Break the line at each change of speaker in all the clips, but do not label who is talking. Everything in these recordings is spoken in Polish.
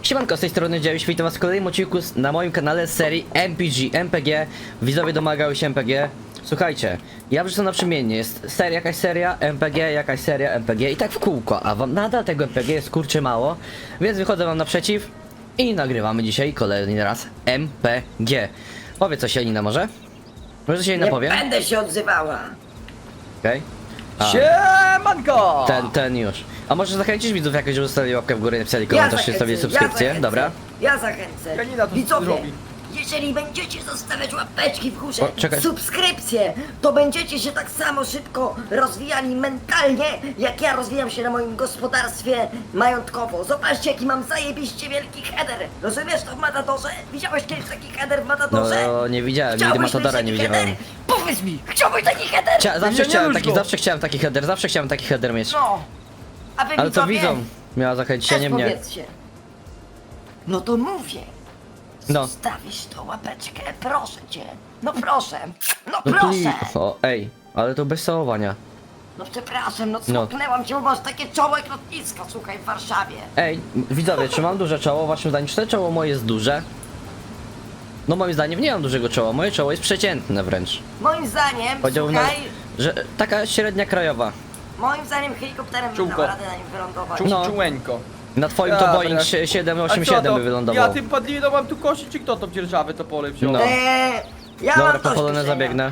Siemanko, z tej strony Dziewisz, witam was w kolejnym odcinku na moim kanale z serii MPG. Widzowie domagały się MPG. Słuchajcie, ja wrzucam naprzemiennie, jest seria, jakaś seria MPG i tak w kółko, a wam nadal tego MPG jest kurczę mało, więc wychodzę wam naprzeciw i nagrywamy dzisiaj kolejny raz MPG. Powie coś Janina może? Może coś Janina
Nie
powie?
będę się odzywała.
Okej.
Siemanko!
Ten już. A może zachęcić widzów jakoś, żeby zostawili łapkę w górę, napisali komentarz, zostawili subskrypcję, dobra?
Ja zachęcę.
Janina to
Widzowie,
zrobi.
jeżeli będziecie zostawiać łapeczki w górze,
O, czekaj.
subskrypcje, to będziecie się tak samo szybko rozwijali mentalnie, jak ja rozwijam się na moim gospodarstwie majątkowo. Zobaczcie, jaki mam zajebiście wielki header. Rozumiesz to w Matadorze? Widziałeś kiedyś taki header w Matadorze?
No nie widziałem, nigdy
Chciałbyś
Matadora
mieć
nie
taki
widziałem.
header? Powiedz mi, chciałbyś taki header?
Zawsze chciałem taki header mieć.
No. A wy
Ale to
widzowie,
widzą miała zachęcić, a
też
nie mnie.
powiedzcie. No to mówię.
No.
Zostawisz tą łapeczkę, proszę cię. No proszę. No
No
proszę.
o, ej, ale to bez całowania.
No przepraszam, no
No.
smoknęłam cię, bo masz takie czoło jak lotnisko, słuchaj, w Warszawie.
Ej, widzowie, czy mam duże czoło? Waszym zdaniem, czy to czoło moje jest duże? No moim zdaniem nie mam dużego czoła, moje czoło jest przeciętne wręcz.
Moim zdaniem,
Powiedziałbym,
słuchaj,
że taka średnia krajowa.
moim zdaniem helikopterem bym
Czułko.
dała radę na nim wylądować.
No.
Czułeńko.
Na twoim to Boeing
A
787 by wylądował.
Ja tym padliną mam tu kosić, czy kto to dzierżawy to pole wziął?
No.
Ja
Dobra,
mam
po
dość
polonę
kuszenia.
zabiegnę.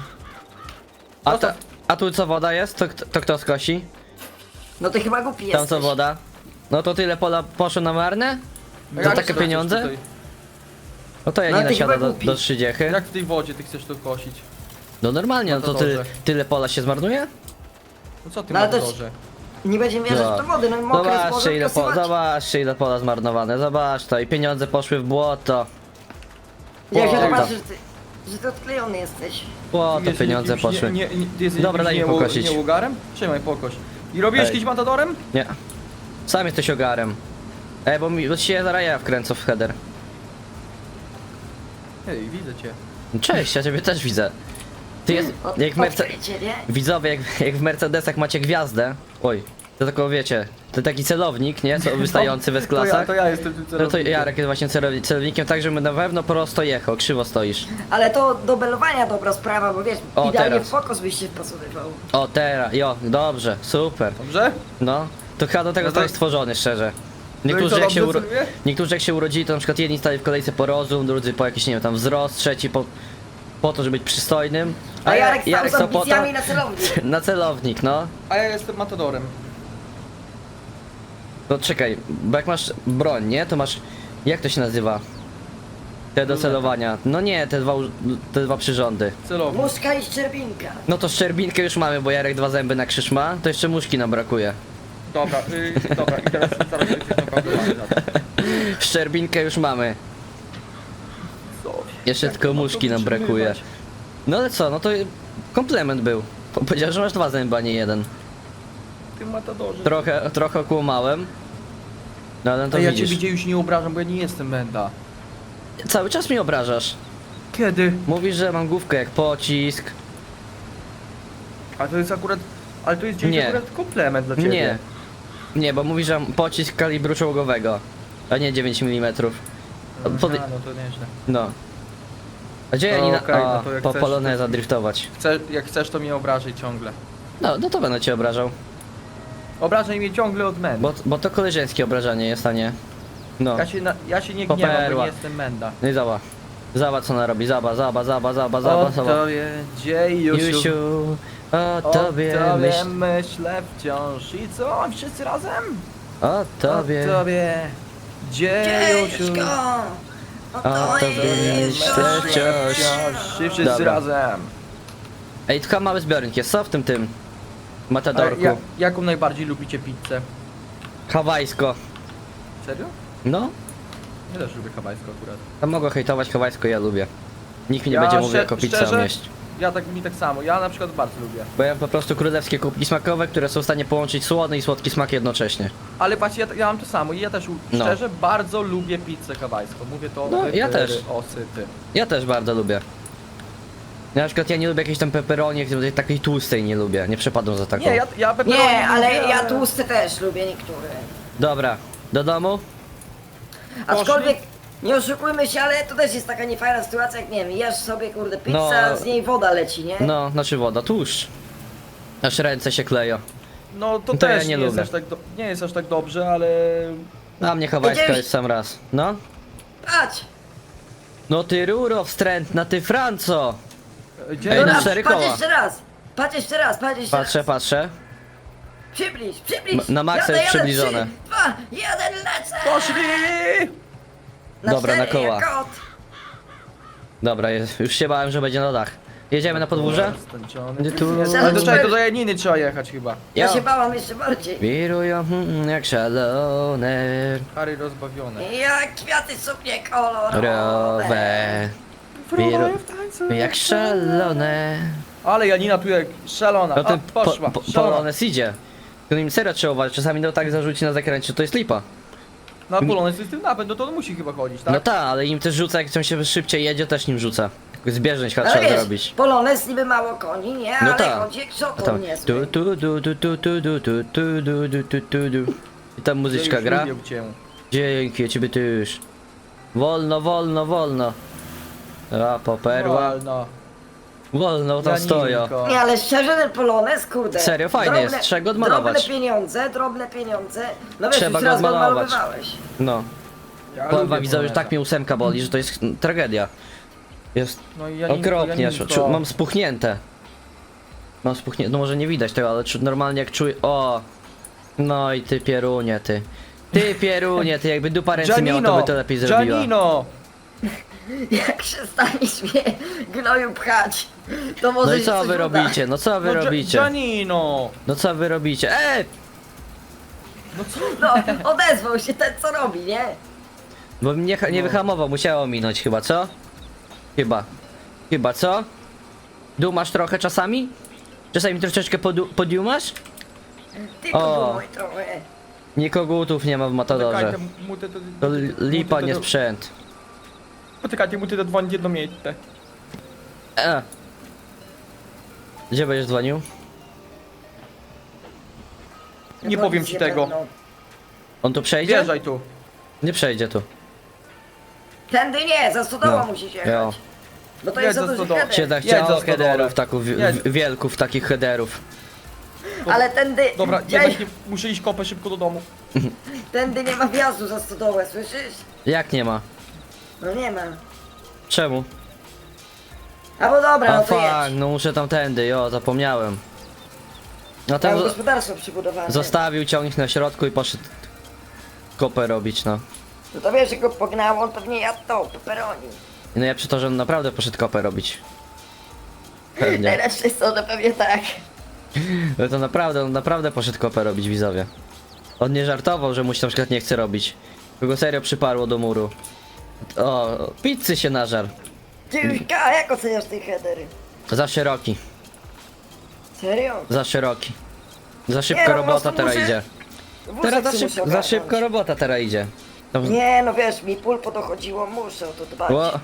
A tu co woda jest? To kto skosi?
No ty chyba głupi
Tam
jesteś.
co woda? No to tyle pola poszło na marne?
A
Za
jak
takie
to
pieniądze?
chcesz
No to ja
No
nie
ty
nasiada
chyba
do
głupi.
30.
Jak w tej wodzie ty chcesz to kosić?
No normalnie, no
No
to
to
tyle,
dobrze.
tyle pola się zmarnuje?
No co ty
No ale
masz
to-
dorze?
Nie będziemy wierzyć w to wody, no mokre
Zobaczcie ile pola zmarnowane, zobacz to i pieniądze poszły w błoto.
Ja się
Błoto.
zobaczę, że ty odklejony jesteś.
Błoto
Ty jesteś
pieniądze
jakimś
poszły.
Ty jesteś
Dobra, daj mi
jakimś
pokosić.
Nie łogarem? Trzymaj, pokoś. I robiłeś
Ej.
kiedyś matadorem?
Nie. Sam jesteś ogarem. Ej, bo ci się zaraz ja wkręcę w header.
Ej, widzę cię.
Cześć, ja ciebie też widzę. Ty jest, jak w
Odkrycie, nie?
Widzowie, jak w Mercedesach macie gwiazdę. Oj, to tylko wiecie, to taki celownik, nie? Co wystający w S-klasach.
To ja jestem tym
No to
celownikiem.
Jarek jest właśnie celownikiem, tak żeby na pewno prosto jechał, krzywo stoisz.
Ale to do belowania dobra sprawa, bo wiesz,
O,
idealnie
teraz.
w fokos byś się wpasowywał.
O teraz, dobrze, super.
Dobrze?
No, to chyba do tego
No to-
zostałeś stworzony, szczerze.
No i
Niektórzy
co,
jak, się
dobrze celuje?
niektórzy jak się urodzili, to na przykład jedni stali w kolejce po rozum, drudzy po jakiś, nie wiem, tam wzrost, trzeci po to, żeby być przystojnym.
A Jarek stał z
co po to?
ambicjami na celownik.
Na celownik, no.
A ja jestem matadorem.
No czekaj, bo jak masz broń, nie? To masz, jak to się nazywa? Te do celowania. No nie, te dwa przyrządy.
Celownik.
Muszka i szczerbinka.
No to szczerbinkę już mamy, bo Jarek 2 zęby na krzyż ma, to jeszcze muszki nam brakuje.
Dobra, dobra, i teraz się naprawdę za to.
Szczerbinkę już mamy.
Co?
Jeszcze
Jak
tylko
to ma
muszki
to
nam brakuje.
wytrzymywać?
No ale co, no to komplement był. Powiedział, że masz 2 zęby, a nie jeden.
Ty matadorze.
Trochę okłamałem. No ale to
To ja
widzisz.
cię już nie obrażam, bo ja nie jestem menda.
Cały czas mnie obrażasz.
Kiedy?
Mówisz, że mam główkę jak pocisk.
Ale to jest akurat... Ale to jest gdzieś
Nie.
akurat komplement dla ciebie.
Nie. Nie, bo mówisz, że mam pocisk kalibru czołgowego. A nie 9 mm.
No to nieźle.
No. A gdzie
No
Janina?
okej, no to jak
po
chcesz,
poloneza driftować.
Jak chcesz, to mnie obrażaj ciągle.
No to będę cię obrażał.
Obrażaj mnie ciągle od menda.
Bo to koleżeńskie obrażanie jest, a nie. No.
Ja się nie
Po
gniewam, bo
perła.
nie jestem menda.
No i zaba. Zaba co ona robi, zaba.
O tobie, dziejusiu.
Jusiu, o
O
tobie myśl.
myślę wciąż. I co? Wszyscy razem?
O tobie.
O tobie, dziejusiu.
Ciężko!
O tobie myślę wciąż.
I wszyscy
Dobra.
razem.
Ej, tylko mały zbiornik jest, co w tym
A
Matadorku?
jaką najbardziej lubicie pizzę?
Hawajsko.
Serio?
No,
Ja też lubię hawajską akurat.
to mogę hejtować hawajsko, ja lubię. Nikt mi nie
Ja
będzie mówił
szczerze-
jako pizzę
szczerze?
jeść.
Mi tak samo. Ja na przykład bardzo lubię.
Bo ja mam po prostu królewskie kubki smakowe, które są w stanie połączyć słodny i słodki smak jednocześnie.
Ale patrzcie, ja mam to samo i ja też
No.
szczerze bardzo lubię pizzę hawajską. Mówię to
No, ja też.
osyty.
Ja też bardzo lubię. Na przykład ja nie lubię jakiejś tam pepperoni, takiej tłustej nie lubię, nie przepadam za taką.
Nie, ja pepperoni
Nie, ale
lubię,
ja tłusty też lubię niektóre.
Dobra, do domu?
Aczkolwiek, nie oszukujmy się, ale to też jest taka niefajna sytuacja, jak nie wiem, jesz sobie kurde pizza,
No.
z niej woda leci, nie?
No, znaczy woda, tłuszcz. Aż ręce się kleją.
No to
To ja
też
nie
nie jest,
lubię.
aż tak nie jest aż tak dobrze, ale...
A mnie Hawajska
Idziesz-
jest sam raz. No?
Patrz!
No ty ruro wstrętna, ty Franco!
Gdzie?
Ej, no
Dobra,
cztery
patrz
koła.
jeszcze raz! Patrz jeszcze raz, patrz jeszcze
Patrzę,
raz!
patrzę.
Przybliż!
Na maksa jest przybliżone.
3, 2, 1, lecę!
Poszli!
Dobra, na
4
koła.
jak kot.
Dobra, już się bałem, że będzie na dach. Jedziemy na podwórze?
Stęczony.
Tu...
Ale do czego? Do Janiny trzeba jechać chyba.
Ja
Jo.
się bałam jeszcze bardziej.
Wirują jak szalone.
Harry rozbawione.
Jak kwiaty są niekolorowe.
Rowe. Jak szalone.
Ale Janina tu jak szalona.
No
A,
ten
poszła. szalona.
Polones idzie. To nim serio trzeba uważać, czasami no tak zarzuci na zakręcie, to jest lipa.
No Polones jest tym napęd, no to on musi chyba chodzić, tak?
No tak, ale im też rzuca, jak się szybciej jedzie, też nim rzuca. Zbieżność
Ale
trzeba
wiesz,
zrobić.
Polones niby mało koni, nie?
No
Ale
tak.
chodzi jak
A
szokon
tam
niezły.
tu. I tam muzyczka
Już
gra.
lubię cię.
Dzięki, ja ciebie też. Wolno, wolno, wolno. A, poperła.
No.
Wolno tam
Janinko.
stoją.
Nie, ale szczerze ten Polones, kurde.
Serio, fajny jest, trzeba go odmalować.
Drobne pieniądze. No wiesz,
Trzeba
już
go
raz go
odmalować.
odmalowywałeś.
No,
Ja
powiem
lubię
wam widzowie, że
Poloneza.
tak mnie ósemka boli, że to jest tragedia. Jest
No i Janinko,
okropnie,
Janinko.
mam spuchnięte. Mam spuchnięte, no może nie widać tego, ale normalnie jak czuję, o. No i ty pierunie, ty. Ty pierunie, ty jakby dupa ręce miała, to by to lepiej zrobiła.
Janino!
Jak przestaniesz mnie gnoju pchać, to może
No i
się
co
coś
wy
uda.
robicie, no co wy
No,
robicie?
Janino!
No co wy robicie?
No co?
No, odezwał się ten co robi, nie?
Bo mnie nie wyhamował, musiało minąć chyba, co? Chyba, co? Dumasz trochę czasami? Czasami troszeczkę podumasz?
Tylko
O.
dumaj trochę.
Nikogutów nie ma w Matadorze.
Poczekajcie,
To lipa, nie sprzęt.
Poczekajcie, muszę zadzwonić jedno miejsce.
Gdzie będziesz dzwonił?
Nie powiem ci tego.
On tu przejdzie?
Wjeżdżaj tu.
Nie przejdzie tu.
Tędy nie, za stodoła
No.
musisz
Jo.
jechać. Bo to
Jedź
jest za
za
duży
stodołę.
header.
Się tak
Jedź za
chciało
stodole.
headerów, taków,
Jedź.
wielków takich headerów.
Ale tędy,
Dobra,
gdzieś,
jednak muszę iść kopę szybko do domu.
tędy nie ma wjazdu za stodołę, słyszysz?
Jak nie ma?
No nie ma.
Czemu?
A bo dobra,
A
no to
fuck,
jedź.
no muszę tamtędy, jo, zapomniałem. No
Tam
tam
gospodarstwo przybudowane.
zostawił ciągnik na środku i poszedł kopę robić, no.
No to wiesz, że go pognało, on pewnie jadł to, pepperoni.
No ja przy to, że on naprawdę poszedł kopę robić. Pewnie.
Najlepsze jest to, że pewnie tak.
No to naprawdę, on naprawdę poszedł kopę robić, widzowie. On nie żartował, że mu się na przykład nie chce robić. Kogo serio przyparło do muru. O, pizzy się nażar.
Ty Juśka, jak oceniasz te headery?
Za szeroki,
Serio?
za szeroki. Za szybko
Nie, no,
robota
po prostu
teraz
muszę-
idzie.
Wózek
Teraz
się muszę
za
ogarnąć.
szybko robota teraz idzie. Tam-
Nie, no wiesz, mi pulpo dochodziło, muszę o to dbać.
Ło.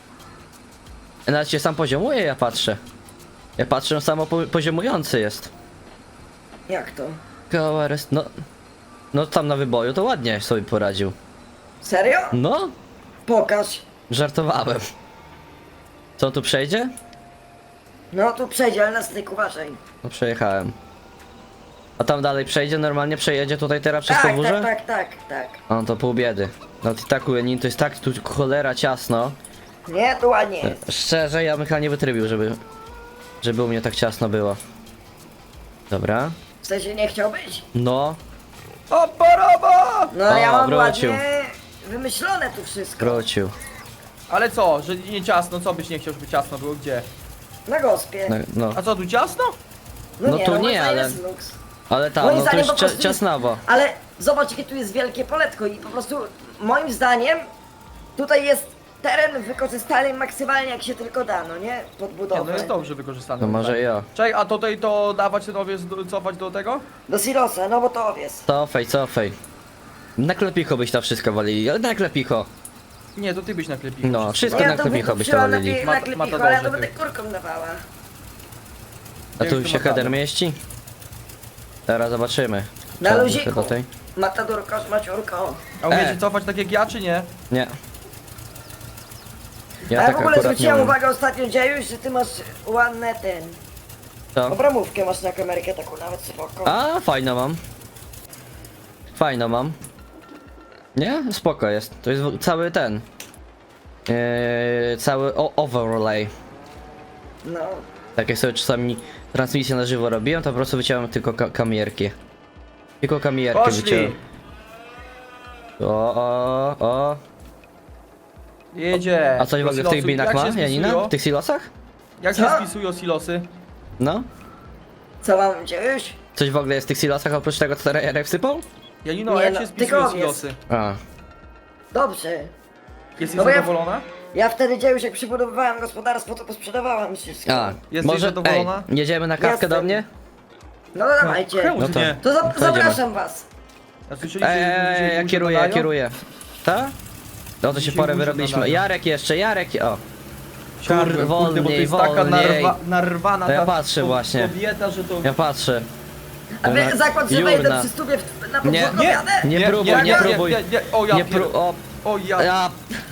Nawet się sam poziomuje, ja patrzę. Ja patrzę, on samo poziomujący jest.
Jak to?
Koła no. No tam na wyboju to ładnie sobie poradził.
Serio?
No,
Pokaż.
żartowałem. Co on tu przejdzie?
No tu przejdzie, ale na styk uważaj.
No przejechałem. A tam dalej przejdzie, normalnie przejedzie tutaj teraz przez
Tak,
podwórze?
tak.
A no to pół biedy. No to i tak u Janin to jest tak tu cholera ciasno.
Nie, tu ładnie jest.
Szczerze, ja bym chyba nie wytrybił, żeby u mnie tak ciasno było. Dobra.
W sensie nie chciał być.
No,
Oporowa!
No ale ja mam
wrócił.
ładnie wymyślone tu wszystko.
wrócił.
Ale co, że nie ciasno? Co byś nie chciał, żeby ciasno było? Gdzie?
Na gospie.
No.
A co, tu ciasno?
no to
moim
nie,
zdaniem
ale-
jest luks.
Ale tam,
Moim
no to
zdaniem
już
po prostu jest-
ciasnawo.
Ale zobacz, jakie tu jest wielkie poletko i po prostu moim zdaniem tutaj jest teren wykorzystany maksymalnie jak się tylko da, no nie? Pod
Nie,
budowę.
no jest dobrze wykorzystane.
No może ja.
Czekaj, a tutaj to dawać ten owiec, cofać do tego?
Do silosa, no bo to owies.
Cofaj. Na klepicho byś to wszystko walili, ale na klepicho.
Nie, to ty byś naklepił.
No, wszystko
Ja
na
to
klepicho byś to
wykupiłam
walili.
na
Ma-
klepicho,
Matadorze
ale ja to
ty.
będę kurką dawała.
A
Jak
tu
to
się
ma
header
tam?
mieści? Teraz zobaczymy.
Na
Trzeba
luziku.
do tej-
Matadorko z maciurką.
A umiecie cofać tak jak ja, czy nie?
Nie. Ja
A ja
tak
w ogóle
akurat nie
zwróciłem
umiem.
uwagę ostatnio, Dziejuś, że ty masz ładne ten...
Co?
Obramówkę masz na kamerkę taką nawet spoko.
A, fajną mam. Fajną mam. Nie? Spoko jest. To jest cały ten. Cały overlay.
No.
Tak jak sobie czasami transmisję na żywo robiłem, to po prostu wyciąłem tylko kamierki. Tylko kamierki wyciąłem.
Poszli!
O.
Jedzie!
A coś w ogóle w tych
Silosy.
binach
Jak
ma,
się
Janina?
spisują?
W tych silosach?
Jak
Co?
się spisują silosy?
No?
Co mam, Dziejuś?
Coś w ogóle jest w tych silosach oprócz tego, co Jarek wsypał?
Janino,
Nie
jak
no,
się spisują
tykowiec.
silosy?
A.
Dobrze.
Jesteś
No bo ja-
zadowolona?
Ja wtedy, Dziejuś, jak przybudowywałem gospodarstwo, to posprzedawałem wszystko.
A.
Jesteś
Może,
zadowolona?
jedziemy na kawkę do
Jestem.
mnie?
No dawajcie.
Czemu
No
ty
to-
nie?
To
To
zapraszam was.
A słyszeliście, że ludzie
Ja
ludzie
kieruję,
gadają?
Ta? No to się
Dzisiaj
porę
ludzie
wyrobiliśmy.
nadają.
Jarek jeszcze, Jarek. O.
Siadłem, kurde, bo to
wolniej,
jest taka
wolniej.
narwana
To ja
ta
patrzę właśnie.
kobieta, że to...
Ja patrzę.
A wy
Ona-
zakład, że
Jurna.
wejdę przy stówie na
Nie,
podwórko
nie,
jadę?
Nie próbuj, nie próbuj.
Nie, o ja
Nie
pier...
pró... O.
O ja...
Ja...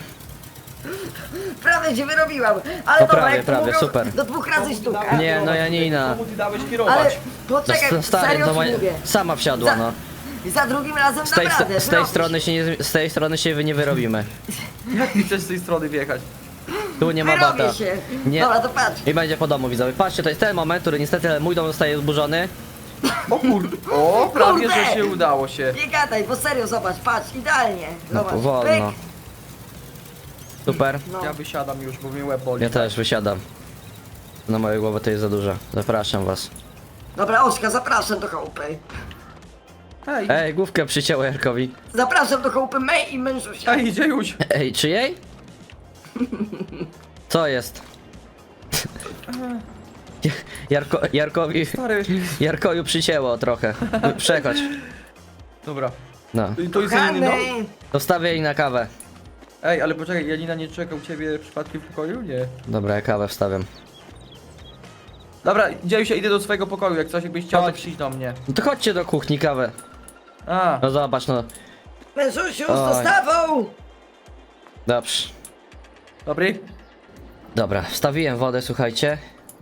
Prawie cię wyrobiłam. Ale
No
dobra,
prawie,
jak to
prawie,
mówią,
super.
do 2 razy sztuka.
Nie, no Janina.
Komu ty dałeś
Ale
kierować?
poczekaj,
Stary,
serio
no
ci mówię.
sama wsiadła,
Za-
no.
Za drugim razem
Z tej,
naprawdę,
z tej
wyrobisz.
strony się nie, z tej strony się nie wyrobimy.
Jak ty chcesz z tej strony wjechać?
Tu nie ma
Wyrobię
bata.
się.
Nie.
Dobra, to patrz.
I będzie po domu, widzowie. Patrzcie, to jest ten moment, który niestety mój dom zostaje zburzony.
O kurde, o prawie,
Kurde!
że się udało się.
Nie gadaj, bo serio, zobacz, patrz, idealnie.
No
Zobacz,
powolno.
pyk.
Super.
No.
Ja wysiadam już, bo mnie łeb boli.
Ja też wysiadam. Na mojej głowie to jest za dużo. Zapraszam was.
Dobra, Oskar, zapraszam do chałupy.
Hej,
Ej, główkę przycięło Jarkowi.
Zapraszam do chałupy May i mężusia.
hej, idzie już.
Ej, czyjej? Co jest?
Stary.
Jarkoju przycięło trochę. Przechodź.
Dobra.
No.
To jest Janino?
Kochany,
Dostawię jej na kawę.
Ej, ale poczekaj, Janina nie czeka u ciebie przypadkiem w pokoju? Nie.
Dobra, ja kawę wstawiam.
Dobra, dzieje się, idę do swojego pokoju, jak coś jakbyś chciał, to
Chodź.
przyjdź do mnie.
No to chodźcie do kuchni kawę.
A,
No zobacz, no.
mężusiu, z
Oj.
dostawą.
Dobrze.
dobry?
Dobra, wstawiłem wodę, słuchajcie.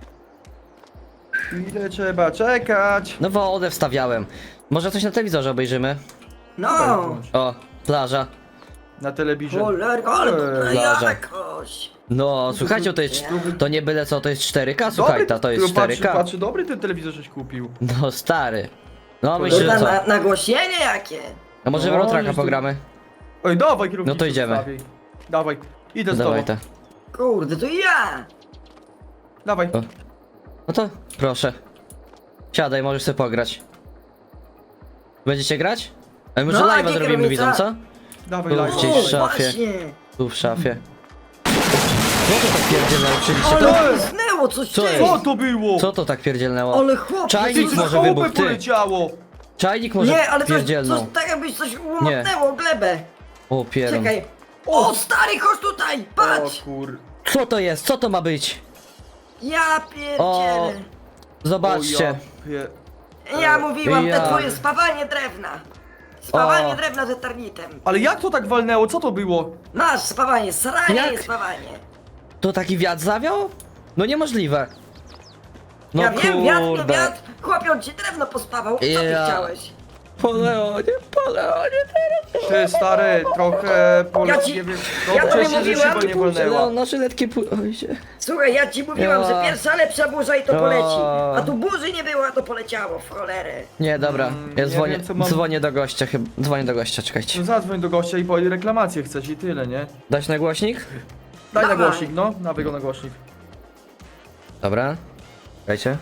Ile trzeba czekać?
No wodę wstawiałem. Może coś na telewizorze obejrzymy?
No.
O, plaża.
Na telewizorze.
Cholerko, ale to
Plaża.
jakoś.
No, słuchajcie, to jest... To nie byle co, to jest 4K, słuchaj, to jest
patrzy,
4K.
patrzy, dobry ten telewizor żeś kupił.
No, stary. No, myślę, że
Kurwa,
co?
nagłośnienie jakie.
A może w
No,
Rotraka
jest tu-
pogramy?
Oj, dawaj kierownicę
No to idziemy.
wstawiaj. Dawaj, idę z
Dawaj
tobą.
te.
Kurde, to ja.
Dawaj.
O. No to, proszę. Siadaj, możesz sobie pograć. Będziecie grać? A może
No,
live'a
jakie
zrobimy,
kierownica?
widzą, co?
Dawaj,
O,
live.
gdzieś
O,
w szafie.
właśnie.
Tu w szafie. Co to tak pierdzielnęło? Oczywiście
Ale
to...
pysnęło coś
Co
ty.
jest?
Co to było?
Co to tak pierdzielnęło?
Ale chłopie,
Czajnik
ty-
Coś
może
z
wybuch,
chałupy
ty.
poleciało.
Czajnik może
Nie, ale coś,
pierdzielnął.
tak jakbyś coś łomotnęło glebę.
O pierun.
Czekaj. O, stary, chodź tutaj,
O
patrz.
kur...
Co to jest? Co to ma być?
Ja pierdzielę.
Zobaczcie.
O, ja
Ja mówiłam,
Ja.
te twoje spawanie drewna. Spawanie
O.
drewna z eternitem.
Ale jak to tak walnęło? Co to było?
Masz spawanie, sranie
Jak?
jest spawanie.
To taki wiatr zawiał? No niemożliwe. No
Ja wiem, wiatr to
kurde.
wiatr. Chłopie, on ci drewno pospawał. Co ty
Ja.
chciałeś?
Po Leonie teraz.
Ty stary, trochę
Ja ci-
nie wiem.
ja
Dobrze
tobie
się, że
mówiłam,
szyba nie walnęła.
Leon, na żyletki oj się.
Słuchaj, ja ci mówiłam,
Ja.
że pierwsza lepsza burza i to poleci.
Ja.
A tu burzy nie było, a to poleciało w cholerę.
Nie, dobra. Ja
nie
dzwonię,
wiem, co mam-
dzwonię do gościa chyba. Dzwonię do gościa, czekajcie.
No zadzwoń do gościa i powiedz reklamację chcesz i tyle, nie?
Dać na głośnik?
Daj na
Dawaj.
głośnik, no. Dawaj go na głośnik.
Dobra. Czekajcie.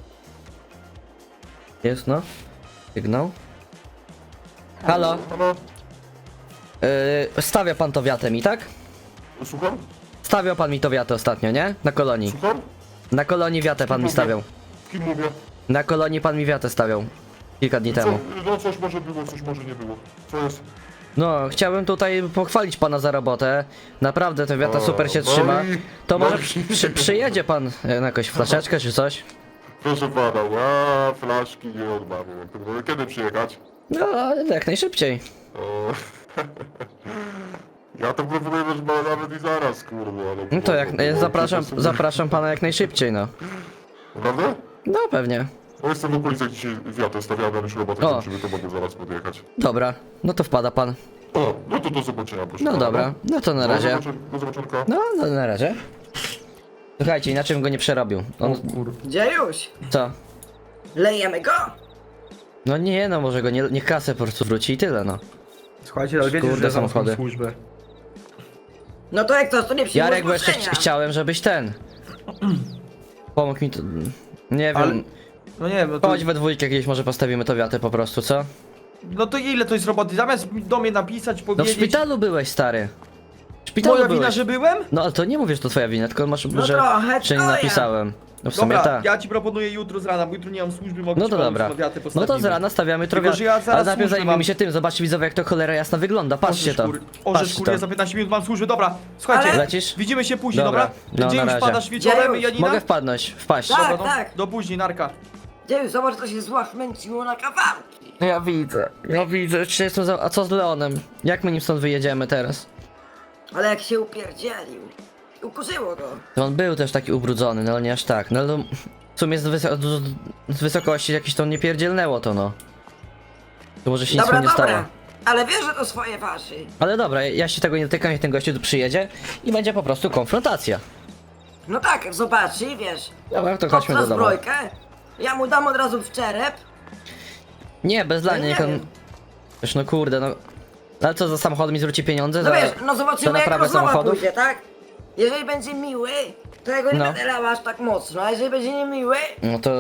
Jest no. Sygnał. Halo.
Halo?
Stawia pan to wiatę mi, tak?
Słucham?
Stawiał pan mi to wiatę ostatnio, nie? Na kolonii.
Słucham?
Na kolonii wiatę pan mi stawiał.
Kim mówię?
Na kolonii pan mi wiatę stawiał. Kilka dni temu.
No coś może było, coś może nie było. Co jest?
No, chciałbym tutaj pochwalić pana za robotę. Naprawdę ta wiata
O,
super się
no
trzyma.
i-
To
no
może
i-
przyjedzie pan na jakąś flaszeczkę czy coś?
Proszę pana, ja flaszki nie odmawiam. Kiedy przyjechać?
No, ale jak najszybciej.
Ja to proponuję nawet i zaraz, kurwa.
No to zapraszam pana jak najszybciej, no.
Naprawdę?
No, pewnie.
Bo jestem w okolicach dzisiaj wiatr stawiamy, już robotę
O.
kończymy, to mogę zaraz podjechać.
Dobra, no to wpada pan.
O, no to do zobaczenia, proszę.
No
pana.
dobra, no to na razie.
Do zobaczenia.
No, na razie. Słuchajcie, inaczej bym go nie przerobił. On,
Dziejuś,
co?
lejemy go?
No nie, no może go niech kasę po prostu wróci i tyle, no.
Słuchajcie, ale wiecie,
Kurde,
że
samochody.
samochody. Służbę.
No to jak to nie przyjmuje
Jarek, bo jeszcze
zgłoszenia.
chciałem, żebyś ten... Pomógł mi to... Nie wiem...
Ale- No nie wiem, no to...
Chodź we dwójkę gdzieś może postawimy to wiatę po prostu, co?
No to ile to jest roboty? Zamiast do mnie napisać,
No w
powiedzieć...
szpitalu byłeś, stary. W szpitalu
Moja
byłeś.
wina, że byłem?
No ale to nie mówię, że to twoja wina, tylko masz,
No
że nie
twoja.
napisałem. No w sumie
Dobra,
tak.
ja ci proponuję jutro z rana, bo jutro nie mam służby, mogę
No
ci
to
pomóc,
dobra.
na wiatę
No
postawimy.
to z rana stawiamy
Tylko,
trochę.
że ja zaraz
Ale najpierw
służbę
zajmijmy
mam.
się tym, zobaczcie widzowie jak to cholera jasna wygląda, patrzcie to.
Orzesz,
Patrzcie
kurde, ja
to.
za 15 minut mam służbę, dobra. Słuchajcie,
Ale-
Lecisz?
widzimy się później,
Dobra.
dobra?
No,
Gdzie
na
już
razie.
wpadasz wieczorem,
Gdzie
Janina?
Mogę wpaść.
Tak.
Dobra, no, do później, narka.
Dziejuś, zobacz, to się złachmęciło na kawałki.
Ja widzę, czy jestem za... A co z Leonem? Jak my nim stąd wyjedziemy teraz?
Ale jak się upierdzielił. Ukurzyło go.
To on był też taki ubrudzony, no nie aż tak. No ale w sumie z wysokości jakieś to nie pierdzielnęło to no. To może się nic
Dobra,
mu nie stało.
dobra. Ale wiesz, że to swoje waży.
Ale dobra, ja się tego nie dotykam, jak ten gościu tu przyjedzie i będzie po prostu konfrontacja.
No tak, zobacz i wiesz.
Dobra, to chodźmy
Kopca
do domu.
zbrojkę. Ja mu dam od razu w czerep.
Nie, bez
No
dla
nie
niech on...
wiem.
Wiesz, no kurde, no... Ale co, za samochód mi zwróci pieniądze?
No
za,
wiesz, no
za
zobaczymy jak
naprawę
rozmowa
samochodów?
pójdzie, tak? Jeżeli będzie miły, to ja go nie
No.
będę lał aż tak mocno, a jeżeli będzie niemiły,
No to...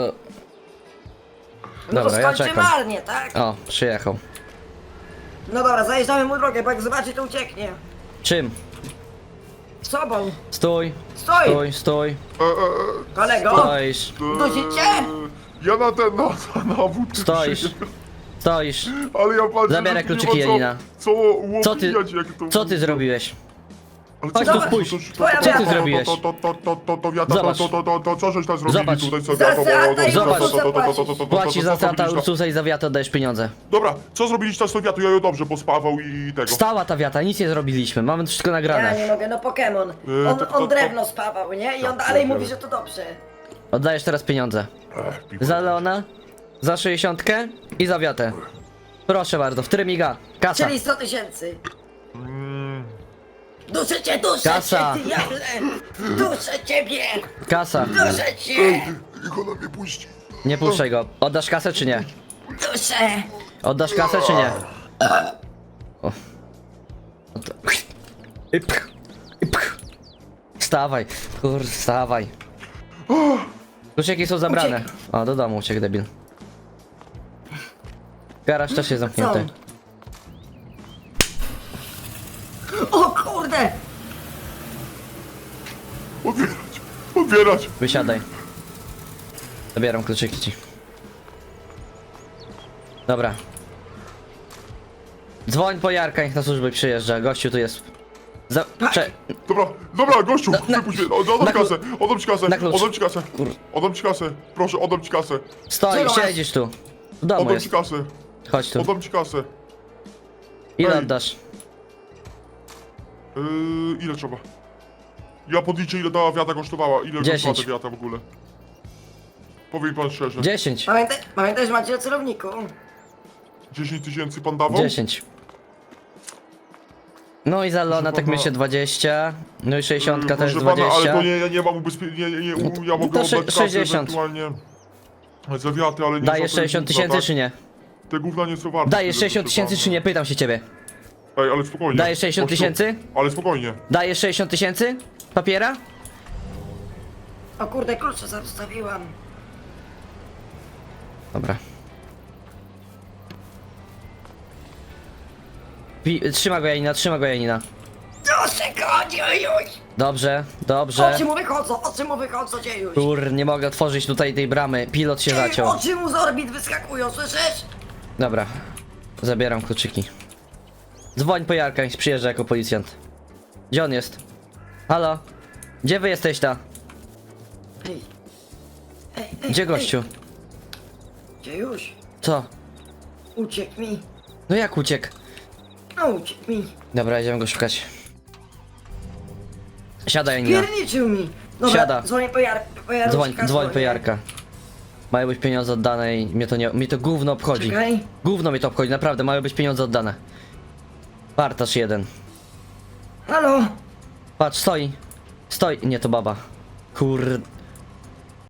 no
Dobra,
to
ja
skończy
czekam.
marnie, tak?
O, przyjechał.
No dobra, zajeżdżamy mu drogę, bo jak zobaczy, to ucieknie.
Czym?
Sobą.
Stój,
Stój,
stój.
kolego.
Stoisz,
Dusicie?
Ja na ten, na wódkę
stoisz.
przyjdę.
Stoisz.
Ale ja patrzę,
Zabieraj
że tu nie
kluczyki,
ma
Janina.
Co
Co ty,
łowijać, jak to...
co ty zrobiłeś?
Ale
Chodź
co
tu
to-
spójrz.
to- to-
Twoja
to-
Co ty
wiata.
zrobiłeś?
To wiata,
Zobacz.
to co żeś tam zrobili
Zobacz.
tutaj, co
Za
wiata,
seata i
Zobacz. Płacisz za
co
strata
zrobiliście?
Ursusa i za wiatę oddajesz pieniądze.
Dobra, co zrobiliście z tą wiatą? Ja ją dobrze pospawał i tego.
Stała ta wiata, nic nie zrobiliśmy, mamy to wszystko
Ja
nagrane.
nie mogę, no Pokémon. On drewno spawał, nie? I on dalej mówi, że to dobrze.
Oddajesz teraz pieniądze. Za Leona, za 60 i za wiatę. Proszę bardzo, w trymiga. Kasa.
Czyli 100 tysięcy. Duszę cię, duszę
Kasa.
cię, diable! Duszę ciebie!
Kasa.
Duszę cię!
Niech ona mnie puści.
Nie puszczaj go. Oddasz kasę czy nie?
Duszę!
Oddasz kasę czy nie? O. No to... I pch. I pch. Wstawaj. Wstawaj. Kluczyki są zabrane. O, do domu uciekł debil. Garaż też jest zamknięty.
O kurde!
Otwierać.
Wysiadaj. Zabieram kluczyki ci. Dobra. Dzwoń po Jarka, niech na służbę przyjeżdża. Gościu tu jest.
Dobra, gościu, wypuść mnie, oddam
na
kasę, oddam ci kasę,
na klucz.
oddam ci kasę, oddam ci kasę, proszę, oddam ci kasę,
Stoi,
Co masz?
siedzisz tu. W domu
oddam
jest.
ci kasę,
Chodź tu.
oddam ci kasę.
Ile
Ej.
oddasz?
Ile trzeba? Ja podliczę, ile ta wiata kosztowała, ile
10.
kosztowała ta wiata w ogóle. Powie mi pan szczerze,
10.
Pamiętaj, że macie na celowniku.
10 tysięcy pan dawał?
10. No i za Lona tak
pana-
myślę 20. No i 60 też
Proszę pana,
20.
ale to nie, ja nie mam ubezpieczenia, ja mogę
to
oddać kasę
60.
ewentualnie za wiatę, ale nie
Dajesz
za te
60
gówna,
tysięcy
tak?
czy nie?
Te gówna nie są warte.
Dajesz
tyle,
60
proszę
tysięcy
pana.
czy nie? Pytam się ciebie.
Ej, ale spokojnie.
Dajesz 60
Gościu,
tysięcy?
Ale spokojnie.
Dajesz 60 tysięcy? Papiera?
O kurde, klucze zostawiłam.
Dobra. Trzyma go Janina, trzyma go Janina.
Duszę go, dziejuś!
Dobrze, dobrze.
Oczy mu wychodzą, dziejuś!
Kur, nie mogę otworzyć tutaj tej bramy. Pilot się zaciął.
Oczy mu z orbit wyskakują, słyszysz?
Dobra. Zabieram kluczyki. Dzwoń po Jarka, niech przyjeżdża jako policjant. Gdzie on jest? Halo? Gdzie wy jesteś ta?
Ej.
Gdzie gościu?
Dziejuś,
Co?
Uciekł mi.
No jak uciekł?
No uciekł mi.
Dobra, idziemy go szukać. Siadaj, Janina.
Pierniczył mi. Dobra,
Siada.
dzwonię po Jarka.
Dzwoń po Jarka. Mają być pieniądze oddane i mnie to gówno obchodzi.
Czekaj.
Gówno mnie to obchodzi, naprawdę, mają być pieniądze oddane. Partaż jeden.
Halo?
Patrz, stoi. Stoi. Nie, to baba.